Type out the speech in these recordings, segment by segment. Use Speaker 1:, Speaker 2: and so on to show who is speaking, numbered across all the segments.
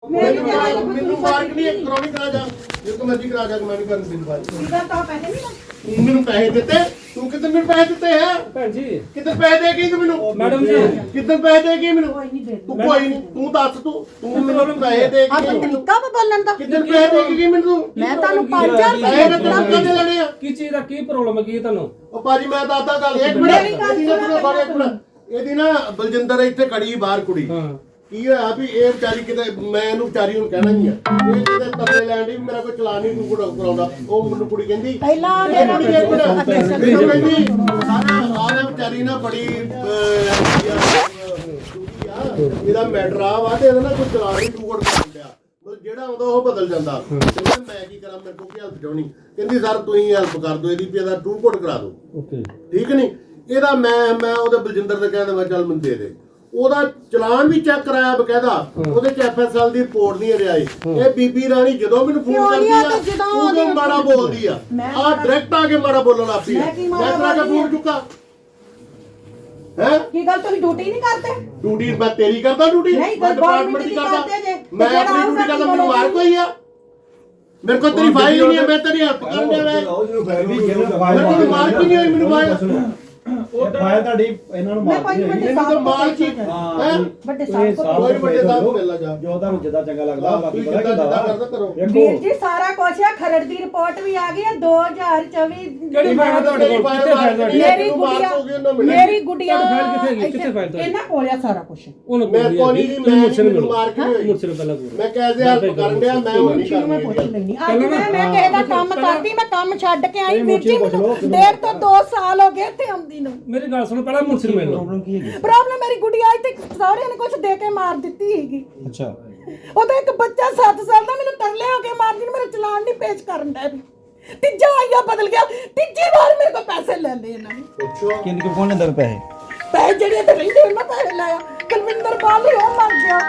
Speaker 1: ਮੈਨੂੰ ਮਾਰਕ ਨਹੀਂ ਕਰਾਉਣੀ ਕਰਾ ਜਾ ਜੇ ਤੂੰ ਮਰਜ਼ੀ ਕਰਾ ਜਾ ਮੈਂ ਨਹੀਂ ਕਰਨ ਦਿੰਦਾ
Speaker 2: ਇਹਦਾ ਤਾਂ ਪੈਸੇ ਨਹੀਂ
Speaker 1: ਤੂੰ ਮੈਨੂੰ ਪੈਸੇ ਦਿੱਤੇ ਤੂੰ ਕਿਤਨੇ ਮੈਨੂੰ ਪੈਸੇ ਦਿੱਤੇ ਹੈ
Speaker 3: ਭੈਣ ਜੀ
Speaker 1: ਕਿਤਨੇ ਪੈਸੇ ਦੇ ਗਈ ਤੂੰ ਮੈਨੂੰ
Speaker 3: ਮੈਡਮ ਜੀ
Speaker 1: ਕਿਤਨੇ ਪੈਸੇ ਦੇ ਗਈ ਮੈਨੂੰ
Speaker 2: ਕੋਈ ਨਹੀਂ ਦੇ
Speaker 1: ਤੂੰ ਕੋਈ ਨਹੀਂ ਤੂੰ ਦੱਸ ਤੂੰ ਮੈਨੂੰ ਪੈਸੇ ਦੇ
Speaker 2: ਆ
Speaker 1: ਗਈ
Speaker 2: ਤਰੀਕਾ ਵਾ ਬੋਲਣ ਦਾ
Speaker 1: ਕਿਤਨੇ ਪੈਸੇ ਦੇ ਗਈ ਮੈਨੂੰ
Speaker 2: ਮੈਂ ਤੁਹਾਨੂੰ 5000
Speaker 1: ਪੈਸੇ ਦੇ ਤੂੰ ਲੈਣੇ ਆ
Speaker 3: ਕੀ ਚੀਜ਼ ਦਾ ਕੀ ਪ੍ਰੋਬਲਮ ਹੈ ਕੀ ਤੁਹਾਨੂੰ
Speaker 1: ਉਹ ਭਾਜੀ ਮੈਂ ਦੱਸਦਾ ਗੱਲ ਇੱਕ ਮਿੰਟ ਇਹਦੀ ਨਾ ਬਲਜਿੰਦਰ ਇੱਥੇ ਖੜੀ ਬਾਹਰ ਕੁੜੀ
Speaker 3: ਹਾਂ
Speaker 1: ਕੀ ਹੋਇਆ ਵੀ ਇਹ ਵਿਚਾਰੀ ਕਿਤੇ ਮੈਂ ਇਹਨੂੰ ਵਿਚਾਰੀ ਨੂੰ ਕਹਿਣਾ ਹੀ ਆ ਇਹ ਕਿਤੇ ਤਰਲੇ ਲੈਣ ਦੀ ਮੇਰਾ ਕੋਈ ਚਲਾਨ ਨਹੀਂ ਤੂੰ ਕਰਾਉਂਦਾ ਉਹ ਮੈਨੂੰ ਕੁੜੀ ਕਹਿੰਦੀ
Speaker 2: ਪਹਿਲਾਂ
Speaker 1: ਕਹਿੰਦੀ ਆਹ ਵਿਚਾਰੀ ਨਾ ਬੜੀ ਇਹਦਾ ਮੈਟਰ ਆ ਵਾ ਤੇ ਇਹਦਾ ਨਾ ਕੋਈ ਚਲਾਨ ਨਹੀਂ ਤੂੰ ਕਰਾਉਂਦਾ ਮਤਲਬ ਜਿਹੜਾ ਆਉਂਦਾ ਉਹ ਬਦਲ ਜਾਂਦਾ ਤੇ ਮੈਂ ਕੀ ਕਰਾਂ ਮੇਰੇ ਕੋਲ ਕੀ ਹੈਲਪ ਚਾਹਣੀ ਕਹਿੰਦੀ ਸਰ ਤੁਸੀਂ ਹੈਲਪ ਕਰ ਦਿਓ ਇਹਦੀ ਵੀ ਇਹਦਾ ਟੂ ਕੋਡ ਕਰਾ ਦਿਓ
Speaker 3: ਓਕੇ
Speaker 1: ਠੀਕ ਨਹੀਂ ਇਹਦਾ ਮੈਂ ਉਹਦੇ ਬਲਜਿੰਦਰ ਦੇ ਕਹਿੰਦਾ ਮੈਂ ਚੱਲ ਮੈਨੂੰ ਦੇ ਦੇ ਉਹਦਾ ਚਲਾਨ ਵੀ ਚੈੱਕ ਕਰਾਇਆ ਬਕਾਇਦਾ ਉਹਦੇ ਚ ਐਫਐਸਐਲ ਦੀ ਰਿਪੋਰਟ ਨਹੀਂ ਆਈ ਇਹ ਬੀਬੀ ਰਾਣੀ ਜਦੋਂ ਮੈਨੂੰ ਫੋਨ ਕਰਦੀ ਆ ਉਦੋਂ ਮਾੜਾ ਬੋਲਦੀ ਆ ਆ ਡਾਇਰੈਕਟ ਆ ਕੇ ਮਾੜਾ ਬੋਲਣ ਲੱਗ ਪਈ ਮੈਂ ਤੇਰਾ ਕੇ ਫੋਨ ਚੁੱਕਾ ਹੈ
Speaker 2: ਕੀ ਗੱਲ ਤੁਸੀਂ ਡਿਊਟੀ ਨਹੀਂ ਕਰਦੇ
Speaker 1: ਡਿਊਟੀ ਮੈਂ ਤੇਰੀ ਕਰਦਾ ਡਿਊਟੀ ਮੈਂ ਡਿਪਾਰਟਮੈਂਟ ਦੀ ਕਰਦਾ ਮੈਂ ਆਪਣੀ ਡਿਊਟੀ ਕਰਦਾ ਮੈਨੂੰ ਮਾਰ ਕੋਈ ਆ ਮੇਰੇ ਕੋਲ ਤੇਰੀ ਫਾਈਲ ਨਹੀਂ ਹੈ ਮੈਂ ਤੇਰੀ ਹੈਲਪ ਕਰਨ ਦਿਆ ਮੈਂ ਮਾਰ ਕੀ ਨਹੀਂ ਹੋਈ ਮੈਨੂੰ ਫਾਈਲ
Speaker 4: ਉਹ ਫਾਇਲ ਤੁਹਾਡੀ ਇਹਨਾਂ ਨੂੰ ਮਾਰ
Speaker 2: ਵੱਡੇ
Speaker 1: ਇਹਨੂੰ ਤਾਂ ਮਾਰ ਕੀ
Speaker 2: ਵੱਡੇ ਸਾਹਿਬ
Speaker 1: ਕੋਈ ਵੱਡੇ ਸਾਹਿਬ ਮਿਲ ਜਾ
Speaker 4: ਜੋ ਤੁਹਾਨੂੰ ਜਿੱਦਾਂ ਚੰਗਾ ਲੱਗਦਾ ਬਾਕੀ ਪਤਾ
Speaker 1: ਕਿੱਦਾਂ
Speaker 4: ਕਿਦਾਂ
Speaker 1: ਕਰਦਾ ਕਰੋ
Speaker 2: ਵੀਰ ਜੀ ਸਾਰਾ ਕੁਝ ਆ ਖਰੜ ਦੀ ਰਿਪੋਰਟ ਵੀ ਆ ਗਈ ਹੈ 2024
Speaker 3: ਕਿਹੜੀ ਫਾਈਲ ਤੁਹਾਡੇ ਕੋਲ ਕਿੱਥੇ ਫਾਈਲ ਤੁਹਾਡੀ
Speaker 2: ਮੇਰੀ ਗੁੜੀਆ
Speaker 3: ਫਾਈਲ ਕਿੱਥੇ ਗਈ ਕਿੱਥੇ ਫਾਈਲ ਤੁਹਾਡੀ
Speaker 2: ਇਹਨਾਂ ਕੋਲ ਆ ਸਾਰਾ ਕੁਝ
Speaker 3: ਉਹਨੂੰ
Speaker 1: ਮੈਂ ਕੋਣੀ ਦੀ ਮੈਂ
Speaker 3: ਮੁਰਸ਼ਦ
Speaker 1: ਮਾਰ ਕੇ ਹੋਈ
Speaker 3: ਮੁਰਸ਼ਦ ਪਹਿਲਾਂ ਬੋਲ
Speaker 1: ਮੈਂ ਕਹਿ ਹੈਲਪ ਕਰਨ ਡਿਆ ਮੈਂ ਉਹ ਨਹੀਂ
Speaker 2: ਮੈਂ ਪੁੱਛ
Speaker 1: ਕਰਨੀ
Speaker 2: ਲੈਣੀ ਅੱਜ ਮੈਂ ਕਿਸੇ ਦਾ ਕੰਮ ਕਰਦੀ ਮੈਂ ਕੰਮ ਛੱਡ ਕੇ ਆਈ ਵੀਰ ਜੀ ਮੈਨੂੰ 1.5 ਤੋਂ 2 ਸਾਲ ਹੋ ਗਏ ਇੱਥੇ ਆਉਂਦੀ ਨੂੰ
Speaker 3: ਮੇਰੀ ਗੱਲ ਸੁਣੋ ਪਹਿਲਾਂ ਮੁਰਸ਼ਦ ਮੈਨੂੰ
Speaker 4: ਪ੍ਰੋਬਲਮ ਕੀ ਹੈਗੀ
Speaker 2: ਪ੍ਰੋਬਲਮ ਮੇਰੀ ਗੁੜੀਆ ਇੱਥੇ ਸਹੁਰਿਆਂ ਨੇ ਕੁਝ ਦੇ ਕੇ ਮਾਰ ਦਿੱਤੀ ਹੈਗੀ
Speaker 4: ਅੱਛਾ
Speaker 2: ਉਹਦਾ ਇੱਕ ਬੱਚਾ 7 ਸਾਲ ਦਾ ਮੈਨੂੰ ਤਰਲੇ ਹੋ ਕੇ ਮਾਰਦੀ ਨੂੰ ਮੇਰਾ ਚਲਾਨ ਨਹੀਂ ਪੇਸ਼ ਕਰਨ ਦਾ ਵੀ ਤੀਜਾ ਆਇਆ ਬਦਲ ਗਿਆ ਤੀਜੀ ਵਾਰ ਮੇਰੇ ਕੋਲ ਪੈਸੇ ਲੈ ਲਏ ਇਹਨਾਂ ਨੇ
Speaker 1: ਪੁੱਛੋ
Speaker 4: ਕਿੰਨੇ ਕੋ ਫੋਨ ਲੈਂਦਾ ਪੈਸੇ
Speaker 2: ਪੈਸੇ ਜਿਹੜੇ ਤੇ ਰਹਿੰਦੇ ਉਹਨਾਂ ਪੈਸੇ ਲਾਇਆ ਕੁਲਵਿੰਦਰ ਬਾਲੀ ਉਹ ਮਰ ਗਿਆ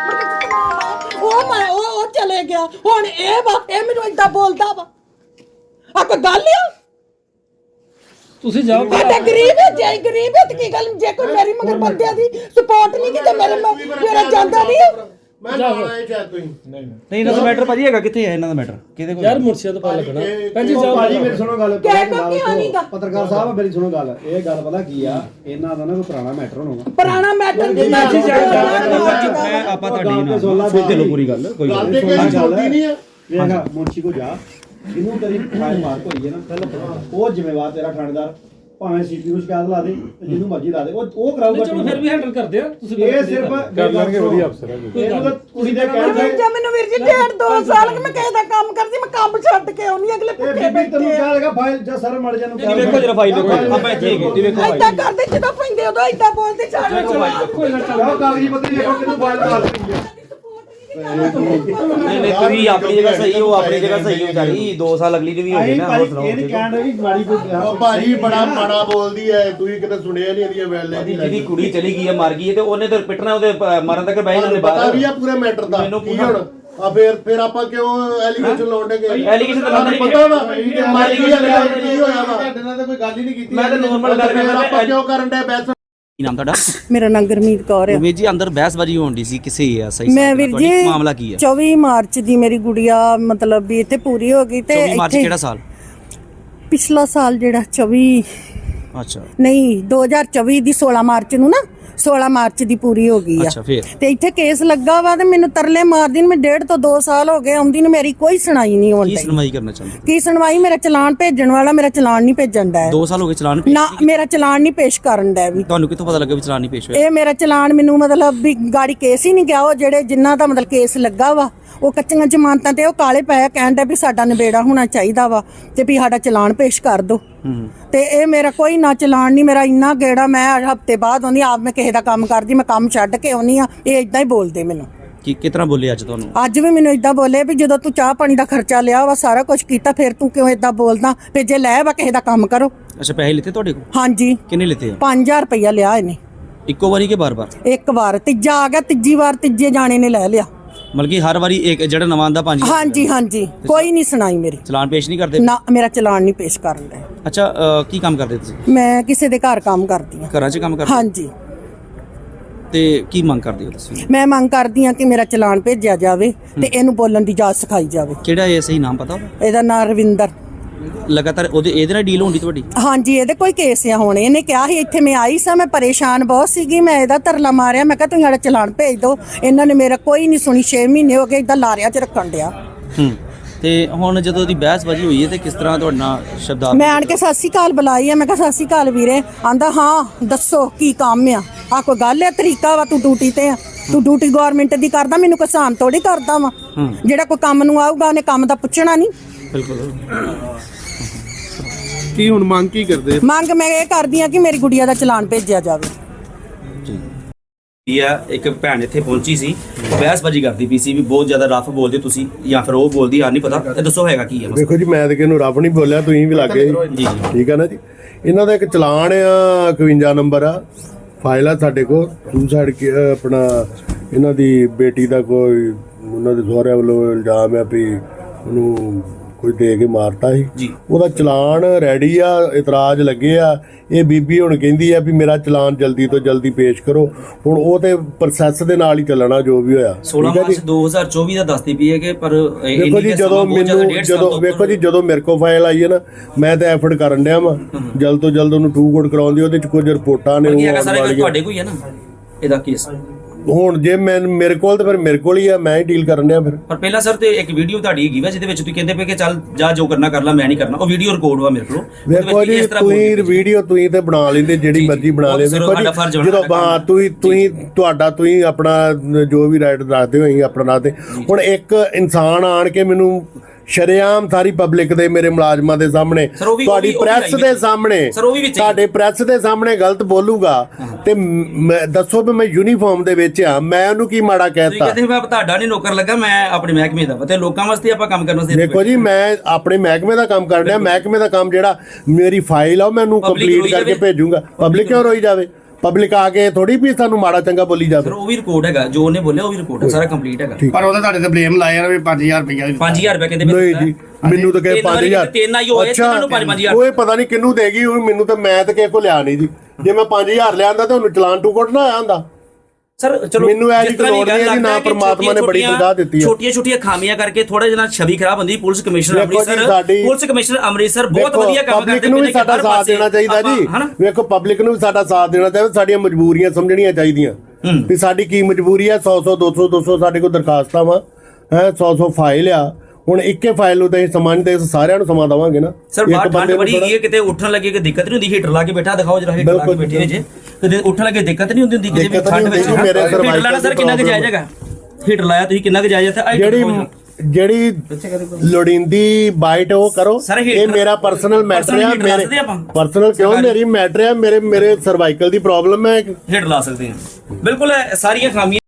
Speaker 2: ਉਹ ਚਲੇ ਗਿਆ ਹੁਣ ਇਹ ਮੈਨੂੰ ਏਦਾਂ ਬੋਲਦਾ ਵਾ ਆ ਕੋਈ ਗੱਲ ਆ
Speaker 3: ਤੁਸੀਂ ਜਾਓ
Speaker 2: ਤੇ ਗਰੀਬ ਹੈ ਜੇ ਗਰੀਬ ਹੈ ਤੇ ਕੀ ਗੱਲ ਜੇ ਕੋਈ ਮੇਰੀ ਮਗਰ ਬੰਦਿਆਂ ਦੀ ਸਪੋਰਟ ਨਹੀਂ ਕੀਤੀ ਮੇਰਾ ਜਾਂਦਾ ਨਹੀਂ
Speaker 1: ਮੈਂ ਜਾਣਾ ਇਹ ਚਾਹ ਤੁਸੀਂ
Speaker 4: ਨਹੀਂ ਇਹਨਾਂ ਦਾ ਮੈਟਰ ਭਾਜੀ ਹੈਗਾ ਕਿੱਥੇ ਹੈ ਇਹਨਾਂ ਦਾ ਮੈਟਰ ਕਿਹਦੇ ਕੋਲ
Speaker 3: ਯਾਰ ਮੁਰਸ਼ਦ ਪਾ ਲੱਗਣਾ ਭੈਣ ਜੀ ਜਾਓ
Speaker 4: ਭਾਜੀ ਮੇਰੀ ਸੁਣੋ ਗੱਲ
Speaker 2: ਕਿਉਂ ਨਹੀਂਗਾ
Speaker 4: ਪੱਤਰਕਾਰ ਸਾਹਿਬ ਮੇਰੀ ਸੁਣੋ ਗੱਲ ਇਹ ਗੱਲ ਪਤਾ ਕੀ ਆ ਇਹਨਾਂ ਦਾ ਨਾ ਕੋਈ ਪੁਰਾਣਾ ਮੈਟਰ ਹੋਣਾ
Speaker 2: ਪੁਰਾਣਾ ਮੈਟਰ ਦੀ
Speaker 4: ਮੈਂ ਆਪਾਂ ਤੁਹਾਡੀ ਨਾਲ ਸੁਣਦੇ ਲੋ ਪੂਰੀ ਗੱਲ ਕੋਈ
Speaker 1: ਗੱਲ ਤੇ ਕੋਈ ਛੋਟੀ ਨਹੀਂ ਆ
Speaker 4: ਵੇਖਾ ਮੁੰਸ਼ੀ ਕੋ ਜਾ ਇਹਨੂੰ ਤੇਰੀ ਫਾਈਲ ਮਾਰ ਹੋਈ ਹੈ ਨਾ ਪਹਿਲਾਂ ਉਹ ਜ਼ਿੰਮੇਵਾਰ ਤੇਰਾ ਥਾਣੇਦਾਰ ਭਾਵੇਂ ਸੀਪੀ ਨੂੰ ਸ਼ਿਕਾਇਤ ਲਾ ਦੇ ਜਿਹਨੂੰ ਮਰਜ਼ੀ ਲਾ ਦੇ ਉਹ ਕਰਾਊਗਾ
Speaker 3: ਚਲੋ ਫਿਰ ਵੀ ਹੈਂਡਲ ਕਰਦੇ ਆ ਤੁਸੀਂ
Speaker 4: ਇਹ ਸਿਰਫ ਕਰ ਲਾਂਗੇ ਵਧੀਆ ਅਫਸਰ ਹੈ ਇਹਨੂੰ ਤਾਂ ਕੁੜੀ ਦੇ ਕਹਿਣ ਤੇ
Speaker 2: ਜੇ ਮੈਨੂੰ ਵੀਰ ਜੀ 1.5-2 ਸਾਲ ਕਿ ਮੈਂ ਕਿਸੇ ਦਾ ਕੰਮ ਕਰਦੀ ਮੈਂ ਕੰਮ ਛੱਡ ਕੇ ਆਉਣੀ ਅਗਲੇ
Speaker 4: ਇਹ
Speaker 2: ਭੁੱਖੇ
Speaker 4: ਬੀਬੀ ਤੈਨੂੰ
Speaker 2: ਬੈਠੇ
Speaker 4: ਕਿਹਾ ਲਗਾ ਫਾਈਲ ਜਾਂ ਸਰ ਮੜ ਜਾਨੂੰ
Speaker 5: ਵੇਖੋ ਜਰਾ ਫਾਈਲ ਦੇਖੋ ਆਪਾਂ ਇੱਥੇ ਹੈਗੇ ਜੀ ਵੇਖੋ
Speaker 2: ਏਦਾਂ ਕਰਦੇ ਜਦੋਂ ਪੈਂਦੇ ਉਦੋਂ ਏਦਾਂ ਬੋਲਦੇ ਛੱਡ
Speaker 3: ਕੋਈ ਨਾ
Speaker 4: ਆਹ ਕਾਗਜ਼ੀ ਪੱਤਰੀ ਦੇਖੋ ਕਿਹਨੂੰ ਫਾਈਲ ਮਾਰ ਰਹੀ ਹੈ
Speaker 5: ਨਹੀਂ ਤੁਸੀਂ ਆਪਣੀ ਜਗ੍ਹਾ ਸਹੀ ਹੋ ਆਪਣੀ ਜਗ੍ਹਾ ਸਹੀ ਹੋ ਵਿਚਾਰੀ 2 ਸਾਲ ਅਗਲੀ ਨੂੰ ਵੀ ਹੋ ਗਏ ਨਾ ਹੋਰ ਸੁਣਾਓ
Speaker 4: ਇਹ ਨਹੀਂ ਕਹਿਣ ਵੀ ਮਾੜੀ ਕੋਈ
Speaker 1: ਉਹ ਭਾਜੀ ਬੜਾ ਮਾੜਾ ਬੋਲਦੀ ਐ ਤੁਸੀਂ ਕਿਤੇ ਸੁਣਿਆ ਨਹੀਂ ਇਹਦੀਆਂ ਵੈਲੇ ਦੀ
Speaker 5: ਜਿਹਦੀ ਕੁੜੀ ਚਲੀ ਗਈ ਹੈ ਮਰ ਗਈ ਹੈ ਤੇ ਉਹਨੇ ਤਾਂ ਪਿੱਟਣਾ ਉਹਦੇ ਮਰਨ ਤੱਕ ਬਹਿ ਜਾਂਦੇ
Speaker 1: ਪਤਾ
Speaker 5: ਬਾਹਰ
Speaker 1: ਵੀ ਆ ਪੂਰੇ ਮੈਟਰ ਦਾ
Speaker 5: ਮੈਨੂੰ
Speaker 1: ਕੀ ਹੁਣ ਆ ਫਿਰ ਆਪਾਂ ਕਿਉਂ ਐਲੀਗੇਸ਼ਨ ਲਾਉਂਦੇ
Speaker 5: ਐਲੀਗੇਸ਼ਨ ਤਾਂ ਲਾਉਂਦੇ
Speaker 1: ਪਤਾ ਵਾ ਕਿ ਮਰ ਗਈ ਆ ਕੀ ਹੋਇਆ ਵਾ ਤੁਹਾਡੇ ਨਾਲ ਤਾਂ ਕੋਈ ਗੱਲ ਹੀ ਨਹੀਂ ਕੀਤੀ
Speaker 5: ਮੈਂ ਤਾਂ normal ਗੱਲ ਕਰ ਰਿਹਾ
Speaker 1: ਆਪਾਂ ਕਿਉਂ ਕਰਨ ਦੇ ਬੈਸ
Speaker 5: ਕੀ ਨਾਮ ਤੁਹਾਡਾ
Speaker 2: ਮੇਰਾ ਨਾਂ ਗੁਰਮੀਤ ਕੌਰ ਹੈ
Speaker 5: ਵੀਰ ਜੀ ਅੰਦਰ ਬਹਿਸਬਾਜ਼ੀ ਹੋਣ ਦੀ ਸੀ ਕਿਸੇ ਹੈ ਸਹੀ
Speaker 2: ਮੈਂ ਵੀਰ ਜੀ
Speaker 5: ਮਾਮਲਾ ਕੀ ਹੈ
Speaker 2: 24 ਮਾਰਚ ਦੀ ਮੇਰੀ ਗੁੜੀਆ ਮਤਲਬ ਵੀ ਇੱਥੇ ਪੂਰੀ ਹੋ ਗਈ ਤੇ
Speaker 5: 24 ਮਾਰਚ ਕਿਹੜਾ ਸਾਲ
Speaker 2: ਪਿਛਲਾ ਸਾਲ ਜਿਹੜਾ 24
Speaker 5: ਅੱਛਾ
Speaker 2: ਨਹੀਂ 2024 ਦੀ 16 ਮਾਰਚ ਨੂੰ ਨਾ 16 ਮਾਰਚ ਦੀ ਪੂਰੀ ਹੋ ਗਈ ਆ
Speaker 5: ਅੱਛਾ ਫਿਰ
Speaker 2: ਤੇ ਇੱਥੇ ਕੇਸ ਲੱਗਾ ਵਾ ਤੇ ਮੈਨੂੰ ਤਰਲੇ ਮਾਰਦੀ ਨੂੰ ਮੈਂ 1.5 ਤੋਂ 2 ਸਾਲ ਹੋ ਗਏ ਆਉਂਦੀ ਨੂੰ ਮੇਰੀ ਕੋਈ ਸੁਣਾਈ ਨਹੀਂ
Speaker 5: ਕੀ
Speaker 2: ਹੁੰਦੀ
Speaker 5: ਸੁਣਵਾਈ ਕਰਨਾ ਚਾਹੁੰਦੇ
Speaker 2: ਕੀ ਸੁਣਵਾਈ ਮੇਰਾ ਚਲਾਨ ਭੇਜਣ ਵਾਲਾ ਮੇਰਾ ਚਲਾਨ ਨਹੀਂ ਭੇਜਣ ਦਾ
Speaker 5: 2 ਸਾਲ ਹੋ ਗਏ ਚਲਾਨ
Speaker 2: ਨਾ ਮੇਰਾ ਚਲਾਨ ਨਹੀਂ ਪੇਸ਼ ਕਰਨ ਦਾ ਵੀ
Speaker 5: ਤੁਹਾਨੂੰ ਕਿੱਥੋਂ ਪਤਾ ਲੱਗਾ ਵੀ ਚਲਾਨ ਨਹੀਂ ਪੇਸ਼ ਹੋਇਆ
Speaker 2: ਇਹ ਮੇਰਾ ਚਲਾਨ ਮੈਨੂੰ ਮਤਲਬ ਵੀ ਗਾੜੀ ਕੇਸ ਹੀ ਨਹੀਂ ਗਿਆ ਉਹ ਜਿਹੜੇ ਜਿਨ੍ਹਾਂ ਦਾ ਮਤਲਬ ਕੇਸ ਲੱਗਾ ਵਾ ਉਹ ਕੱਚੀਆਂ ਜ਼ਮਾਨਤਾਂ ਤੇ ਉਹ ਕਾਲੇ ਪਏ ਕਹਿਣ ਦਾ ਵੀ ਸਾਡਾ ਨਿਬੇੜਾ ਹੋਣਾ ਚਾਹੀਦਾ ਵਾ ਤੇ ਵੀ ਸਾਡਾ ਚਲਾਨ ਪੇਸ਼ ਕਰ ਦਿਓ ਤੇ ਇਹ ਮੇਰਾ ਕੋਈ ਨਾ ਚਲਾਨ ਨਹੀਂ ਮੇਰਾ ਇੰਨਾ ਗੇੜਾ ਮੈਂ ਹਫਤੇ ਬਾਅਦ ਆਉਂਦੀ ਆਪ ਮੈਂ ਕਿਸੇ ਦਾ ਕੰਮ ਕਰਦੀ ਮੈਂ ਕੰਮ ਛੱਡ ਕੇ ਆਉਣੀ ਆ ਇਹ ਇਦਾਂ ਹੀ ਬੋਲਦੇ ਮੈਨੂੰ
Speaker 5: ਕੀ ਕਿਤਨਾ ਬੋਲੇ ਅੱਜ ਤੁਹਾਨੂੰ
Speaker 2: ਅੱਜ ਵੀ ਮੈਨੂੰ ਇਦਾਂ ਬੋਲੇ ਵੀ ਜਦੋਂ ਤੂੰ ਚਾਹ ਪਾਣੀ ਦਾ ਖਰਚਾ ਲਿਆ ਵਾ ਸਾਰਾ ਕੁਝ ਕੀਤਾ ਫਿਰ ਤੂੰ ਕਿਉਂ ਇਦਾਂ ਬੋਲਦਾ ਵੀ ਜੇ ਲੈ ਵਾ ਕਿਸੇ ਦਾ ਕੰਮ ਕਰੋ
Speaker 5: ਅੱਛਾ ਪੈਸੇ ਲਿੱਤੇ ਤੁਹਾਡੇ ਕੋਲ
Speaker 2: ਹਾਂਜੀ
Speaker 5: ਕਿੰਨੇ ਲਿੱਤੇ ਆ
Speaker 2: 5000 ਰੁਪਇਆ ਲਿਆ ਇਹਨੇ
Speaker 5: ਇੱਕੋ ਵਾਰੀ ਕਿ ਬਾਰ-ਬਾਰ
Speaker 2: ਇੱਕ ਵਾਰ ਤੀਜਾ ਆ ਗਿਆ ਤੀਜੀ ਵਾਰ ਤੀਜੇ ਜਾਣੇ ਨੇ ਲੈ ਲਿਆ
Speaker 5: ਮਤਲਬ ਕਿ ਹਰ ਵਾਰੀ ਇੱਕ ਜਿਹੜਾ ਨਵਾਂ ਆਂਦਾ 5
Speaker 2: ਹਾਂਜੀ ਹਾਂਜੀ ਕੋਈ ਨਹੀਂ ਸੁਣਾਈ ਮੇਰੀ
Speaker 5: ਚਲਾਨ ਪੇਸ਼ ਨਹੀਂ ਕਰਦੇ
Speaker 2: ਨਾ ਮੇਰਾ ਚਲਾਨ ਨਹੀਂ ਪੇਸ਼ ਕਰਨ ਦਾ
Speaker 5: ਅੱਛਾ ਕੀ ਕੰਮ ਕਰਦੇ ਤੁਸੀਂ
Speaker 2: ਮੈਂ ਕਿਸੇ ਦੇ ਘਰ ਕੰਮ ਕਰਦੀ ਹਾਂ
Speaker 5: ਘਰਾਂ 'ਚ ਕੰਮ ਕਰਦੇ
Speaker 2: ਹਾਂਜੀ
Speaker 6: ਤੇ ਕੀ ਮੰਗ ਕਰਦੇ ਹੋ ਤੁਸੀਂ?
Speaker 2: ਮੈਂ ਮੰਗ ਕਰਦੀ ਆ ਕਿ ਮੇਰਾ ਚਲਾਨ ਭੇਜਿਆ ਜਾਵੇ ਤੇ ਇਹਨੂੰ ਬੋਲਣ ਦੀ ਜਾਚ ਸਿਖਾਈ ਜਾਵੇ।
Speaker 6: ਕਿਹੜਾ ਇਹ ਸਹੀ ਨਾਮ ਪਤਾ?
Speaker 2: ਇਹਦਾ ਨਾਂ ਰਵਿੰਦਰ।
Speaker 6: ਲਗਾਤਾਰ ਇਹਦੇ ਨਾਲ ਡੀਲ ਹੁੰਦੀ ਤੁਹਾਡੀ?
Speaker 2: ਹਾਂਜੀ, ਇਹਦੇ ਕੋਈ ਕੇਸ ਆ ਹੁਣ। ਇਹਨੇ ਕਿਹਾ ਸੀ ਇੱਥੇ ਮੈਂ ਆਈ ਸਾਂ, ਮੈਂ ਪਰੇਸ਼ਾਨ ਬਹੁਤ ਸੀਗੀ, ਮੈਂ ਇਹਦਾ ਤਰਲਾ ਮਾਰਿਆ, ਮੈਂ ਕਿਹਾ ਤੁਸੀਂ ਸਾਡਾ ਚਲਾਨ ਭੇਜ ਦਿਓ। ਇਹਨਾਂ ਨੇ ਮੇਰਾ ਕੋਈ ਨਹੀਂ ਸੁਣੀ। 6 ਮਹੀਨੇ ਹੋ ਗਏ ਇਦਾਂ ਲਾਰਿਆਂ 'ਚ ਰੱਖਣ ਡਿਆ।
Speaker 6: ਤੇ ਹੁਣ ਜਦੋਂ ਦੀ ਬਹਿਸਬਾਜ਼ੀ ਹੋਈ ਹੈ ਤੇ ਕਿਸ ਤਰ੍ਹਾਂ ਤੁਹਾਡੇ ਨਾਲ ਸ਼ਬਦਾਂ
Speaker 2: ਮੈਂ ਆਣ ਕੇ ਸਤਿ ਸ਼੍ਰੀ ਅਕਾਲ ਬੁਲਾਈ ਆ। ਮੈਂ ਕਿਹਾ ਸਤਿ ਸ਼੍ਰੀ ਅਕਾਲ ਵੀਰੇ। ਆਂਦਾ ਹਾਂ ਦੱਸੋ ਕੀ ਕੰਮ ਆ ਕੋਈ ਗੱਲ ਹੈ, ਤਰੀਕਾ ਵਾ, ਤੂੰ ਡਿਊਟੀ ਤੇ ਆ, ਤੂੰ ਡਿਊਟੀ ਗਵਰਨਮੈਂਟ ਦੀ ਕਰਦਾ, ਮੈਨੂੰ ਕਿਸਾਨ ਥੋੜੀ ਕਰਦਾ ਵਾ। ਜਿਹੜਾ ਕੋਈ ਕੰਮ ਨੂੰ ਆਊਗਾ ਉਹਨੇ ਕੰਮ ਦਾ ਪੁੱਛਣਾ ਨਹੀਂ।
Speaker 6: ਬਿਲਕੁਲ।
Speaker 3: ਕੀ ਹੁਣ ਮੰਗ ਕੀ ਕਰਦੇ?
Speaker 2: ਮੰਗ ਮੈਂ ਇਹ ਕਰਦੀ ਆ ਕਿ ਮੇਰੀ ਗੁੜੀਆ ਦਾ ਚਲਾਨ ਭੇਜਿਆ ਜਾਵੇ।
Speaker 5: ਇੱਕ ਭੈਣ ਇੱਥੇ ਪਹੁੰਚੀ ਸੀ, ਬਹਿਸਬਾਜ਼ੀ ਕਰਦੀ ਪਈ ਸੀ ਵੀ ਬਹੁਤ ਜ਼ਿਆਦਾ ਰਫ ਬੋਲਦੇ ਤੁਸੀਂ ਜਾਂ ਫਿਰ ਉਹ ਬੋਲਦੀ ਆ, ਨਹੀਂ ਪਤਾ। ਇਹ ਦੱਸੋ ਹੈਗਾ ਕੀ ਹੈ?
Speaker 1: ਦੇਖੋ ਜੀ, ਮੈਂ ਤਾਂ ਕਿਹਨੂੰ ਰੱਬ ਨਹੀਂ ਬੋਲਿਆ, ਤੁਸੀਂ ਵੀ ਲੱਗੇ
Speaker 5: ਜੀ।
Speaker 1: ਠੀਕ ਆ ਨਾ ਜੀ। ਇਹਨਾਂ ਦਾ ਇੱਕ ਚਲਾਨ ਆ, 51 ਨੰਬਰ ਆ, ਫਾਈਲ ਆ ਸਾਡੇ ਕੋਲ। ਸੁਸਾਈਡ ਆਪਣਾ ਇਹਨਾਂ ਦੀ ਬੇਟੀ ਦਾ ਕੋਈ ਉਹਨਾਂ ਦੇ ਸਹੁਰਿਆਂ ਵੱਲੋਂ ਇਲਜ਼ਾਮ ਆ ਵੀ ਉਹਨੂੰ ਕੋਈ ਦੇ ਕੇ ਮਾਰਤਾ ਸੀ। ਉਹਦਾ ਚਲਾਨ ਰੈਡੀ ਆ, ਇਤਰਾਜ਼ ਲੱਗੇ ਆ। ਇਹ ਬੀਬੀ ਹੁਣ ਕਹਿੰਦੀ ਆ ਵੀ ਮੇਰਾ ਚਲਾਨ ਜਲਦੀ ਤੋਂ ਜਲਦੀ ਪੇਸ਼ ਕਰੋ। ਹੁਣ ਉਹ ਤੇ ਪ੍ਰੋਸੈਸ ਦੇ ਨਾਲ ਹੀ ਚੱਲਣਾ ਜੋ ਵੀ ਹੋਇਆ।
Speaker 5: 16 ਮਾਰਚ 2024 ਦਾ ਦੱਸਦੀ ਪਈ ਹੈ ਕਿ ਪਰ
Speaker 1: ਵੇਖੋ ਜੀ, ਜਦੋਂ ਜਦੋਂ ਮੇਰੇ ਕੋਲ ਫਾਈਲ ਆਈ ਹੈ ਨਾ, ਮੈਂ ਤਾਂ ਐਫਰਟ ਕਰਨ ਡਿਆ ਵਾਂ ਜਲਦ ਤੋਂ ਜਲਦ ਉਹਨੂੰ ਟੂ ਕੋਡ ਕਰਾਉਣ ਦੀ। ਉਹਦੇ ਚ ਕੁਝ ਰਿਪੋਰਟਾਂ ਨੇ
Speaker 5: ਤੁਹਾਡੇ ਕੋਈ ਹੈ ਨਾ ਇਹਦਾ ਕੇਸ।
Speaker 1: ਹੁਣ ਜੇ ਮੇਰੇ ਕੋਲ ਤਾਂ ਫਿਰ ਮੇਰੇ ਕੋਲ ਹੀ ਆ, ਮੈਂ ਹੀ ਡੀਲ ਕਰਨ ਡਿਆ ਫਿਰ।
Speaker 5: ਪਰ ਪਹਿਲਾਂ ਸਰ ਤੇ ਇੱਕ ਵੀਡੀਓ ਤੁਹਾਡੀ ਹੈਗੀ ਵਾ ਜਿਹਦੇ ਵਿੱਚ ਤੁਸੀਂ ਕਹਿੰਦੇ ਪਏ ਕਿ ਚੱਲ ਜਾ ਜੋ ਕਰਨਾ ਕਰ ਲੈ, ਮੈਂ ਨਹੀਂ ਕਰਨਾ। ਉਹ ਵੀਡੀਓ ਰਿਕਾਰਡ ਵਾ ਮੇਰੇ ਕੋਲ।
Speaker 1: ਵੇਖੋ ਜੀ, ਤੁਸੀਂ ਵੀਡੀਓ ਤੁਸੀਂ ਤੇ ਬਣਾ ਲੈਂਦੇ, ਜਿਹੜੀ ਮਰਜ਼ੀ ਬਣਾ ਲੈਂਦੇ। ਜਦੋਂ ਤੁਸੀਂ ਆਪਣਾ ਜੋ ਵੀ ਰਾਈਟ ਰੱਖਦੇ ਹੋ, ਅਸੀਂ ਆਪਣਾ ਰੱਖਦੇ। ਹੁਣ ਇੱਕ ਇਨਸਾਨ ਆਣ ਕੇ ਮੈਨੂੰ ਸ਼ਰੇਆਮ ਸਾਰੀ ਪਬਲਿਕ ਦੇ, ਮੇਰੇ ਮੁਲਾਜ਼ਮਾਂ ਦੇ ਸਾਹਮਣੇ, ਤੁਹਾਡੀ ਪ੍ਰੈਸ ਦੇ ਸਾਹਮਣੇ, ਤੁਹਾਡੇ ਪ੍ਰੈਸ ਦੇ ਸਾਹਮਣੇ ਗਲਤ ਬੋਲੂਗਾ ਤੇ ਦੱਸੋ ਵੀ ਮੈਂ ਯੂਨੀਫਾਰਮ ਦੇ ਵਿੱਚ ਆ, ਮੈਂ ਉਹਨੂੰ ਕੀ ਮਾੜਾ ਕਹਿਤਾ?
Speaker 5: ਕਹਿੰਦੇ ਮੈਂ ਤੁਹਾਡਾ ਨਹੀਂ ਨੌਕਰ ਲੱਗਾ, ਮੈਂ ਆਪਣੇ ਮਹਿਕਮੇ ਦਾ ਤੇ ਲੋਕਾਂ ਵਾਸਤੇ ਆਪਾਂ ਕੰਮ ਕਰਨਾ ਸੀ।
Speaker 1: ਦੇਖੋ ਜੀ, ਮੈਂ ਆਪਣੇ ਮਹਿਕਮੇ ਦਾ ਕੰਮ ਕਰ ਰਿਹਾ। ਮਹਿਕਮੇ ਦਾ ਕੰਮ ਜਿਹੜਾ ਮੇਰੀ ਫਾਈਲ ਆ ਉਹ ਮੈਨੂੰ ਕੰਪਲੀਟ ਕਰਕੇ ਭੇਜੂਗਾ। ਪਬਲਿਕ ਕਿਉਂ ਰੋਈ ਜਾਵੇ? ਪਬਲਿਕ ਆ ਕੇ ਥੋੜੀ ਵੀ ਸਾਨੂੰ ਮਾੜਾ ਚੰਗਾ ਬੋਲੀ ਜਾਵੇ।
Speaker 5: ਉਹ ਵੀ ਰਿਕਾਰਡ ਹੈਗਾ, ਜੋ ਉਹਨੇ ਬੋਲਿਆ ਉਹ ਵੀ ਰਿਕਾਰਡ ਹੈ, ਸਾਰਾ ਕੰਪਲੀਟ ਹੈਗਾ।
Speaker 4: ਪਰ ਉਹਦਾ ਤੁਹਾਡੇ ਤੇ ਬਲੇਮ ਲਾਇਆ ਵੀ 5000 ਰੁਪਇਆ
Speaker 5: 5000 ਰੁਪਏ ਕਹਿੰਦੇ
Speaker 1: ਨਹੀਂ ਜੀ, ਮੈਨੂੰ ਤਾਂ ਕਹੇ 5000।
Speaker 5: ਅੱਛਾ,
Speaker 1: ਉਹ ਪਤਾ ਨਹੀਂ ਕਿਹਨੂੰ ਦੇਗੀ। ਮੈਨੂੰ ਤਾਂ ਮੈਂ ਤਾਂ ਕਿਸੇ ਕੋ ਲਿਆ ਨਹੀਂ ਜੀ। ਜੇ ਮੈਂ 5000 ਲਿਆਂਦਾ ਤਾਂ ਉਹਨੂੰ ਚਲਾਨ ਟੂ ਕੋਟ ਨਾ ਆਇਆ ਹੁੰਦਾ।
Speaker 5: ਸਰ ਚਲੋ,
Speaker 1: ਮੈਨੂੰ ਇਹ ਜੀ ਲੋੜ ਨਹੀਂ ਹੈ ਜੀ, ਨਾ ਪਰਮਾਤਮਾ ਨੇ ਬੜੀ ਤਨਖਾਹ ਦਿੱਤੀ ਹੈ।
Speaker 5: ਛੋਟੀਆਂ ਖਾਮੀਆਂ ਕਰਕੇ ਥੋੜਾ ਜਿਹਾ ਛਵੀ ਖਰਾਬ ਹੁੰਦੀ। ਪੁਲਿਸ ਕਮਿਸ਼ਨਰ ਅੰਮ੍ਰਿਤਸਰ ਬਹੁਤ ਵਧੀਆ ਕੰਮ ਕਰਦੇ।
Speaker 1: ਪਬਲਿਕ ਨੂੰ ਵੀ ਸਾਡਾ ਸਾਥ ਦੇਣਾ ਚਾਹੀਦਾ ਜੀ। ਵੇਖੋ, ਪਬਲਿਕ ਨੂੰ ਵੀ ਸਾਡਾ ਸਾਥ ਦੇਣਾ ਚਾਹੀਦਾ। ਸਾਡੀਆਂ ਮਜਬੂਰੀਆਂ ਸਮਝਣੀਆਂ ਚਾਹੀਦੀਆਂ ਵੀ ਸਾਡੀ ਕੀ ਮਜਬੂਰੀ ਹੈ। 100 200 ਸਾਡੇ ਕੋਲ ਦਰਖਾਸਤਾਂ ਵਾ, 100 ਫਾਈਲ ਆ। ਹੁਣ ਇੱਕੇ ਫਾਈਲ ਨੂੰ ਤਾਂ ਅਸੀਂ ਸਮਾਂ ਨਹੀਂ ਦੇ, ਸਾਰਿਆਂ ਨੂੰ ਸਮਾਂ ਦੇਵਾਂਗੇ ਨਾ।
Speaker 5: ਸਰ ਬਾਹਰ ਠੰਡ ਬੜੀ ਹੈਗੀ ਹੈ, ਕਿਤੇ ਉੱਠਣ ਲੱਗੇ ਕਿ ਦਿੱਕਤ ਨਹੀਂ ਹੁੰਦੀ। ਹੀਟਰ ਲਾ ਕੇ ਬੈਠਾ ਦਿਖਾਓ ਜਰਾ, ਹੀਟਰ ਲਾ ਕੇ ਬੈਠੇ ਜੇ ਕਿਤੇ ਉੱਠਣ ਲੱਗੇ ਦਿੱਕਤ ਨਹੀਂ ਹੁੰਦੀ। ਕਿਤੇ ਵੀ ਠੰਡ ਵਿੱਚ ਹੀਟਰ ਲਾਣਾ ਸਰ ਕਿੰਨਾ ਕੁ ਜਾਇਜ਼ ਹੈਗਾ? ਹੀਟਰ ਲਾਇਆ ਤੁਸੀਂ ਕਿੰਨਾ ਕੁ ਜਾਇਜ਼ ਹੈ?
Speaker 1: ਜਿਹੜੀ ਲੋੜੀਂਦੀ ਬਾਈਟ ਉਹ ਕਰੋ। ਇਹ ਮੇਰਾ ਪਰਸਨਲ ਮੈਟਰ ਹੈ। ਮੇਰੇ ਪਰਸਨਲ ਕਿਉਂ? ਮੇਰੀ ਮੈਟਰ ਹੈ। ਮੇਰੇ ਸਰਵਾਈਕਲ ਦੀ ਪ੍ਰੋਬਲਮ ਹੈ।
Speaker 5: ਹੀਟਰ ਲਾ ਸਕਦੇ ਹਾਂ, ਬਿਲਕੁਲ ਸਾਰੀਆਂ ਖਾਮੀਆਂ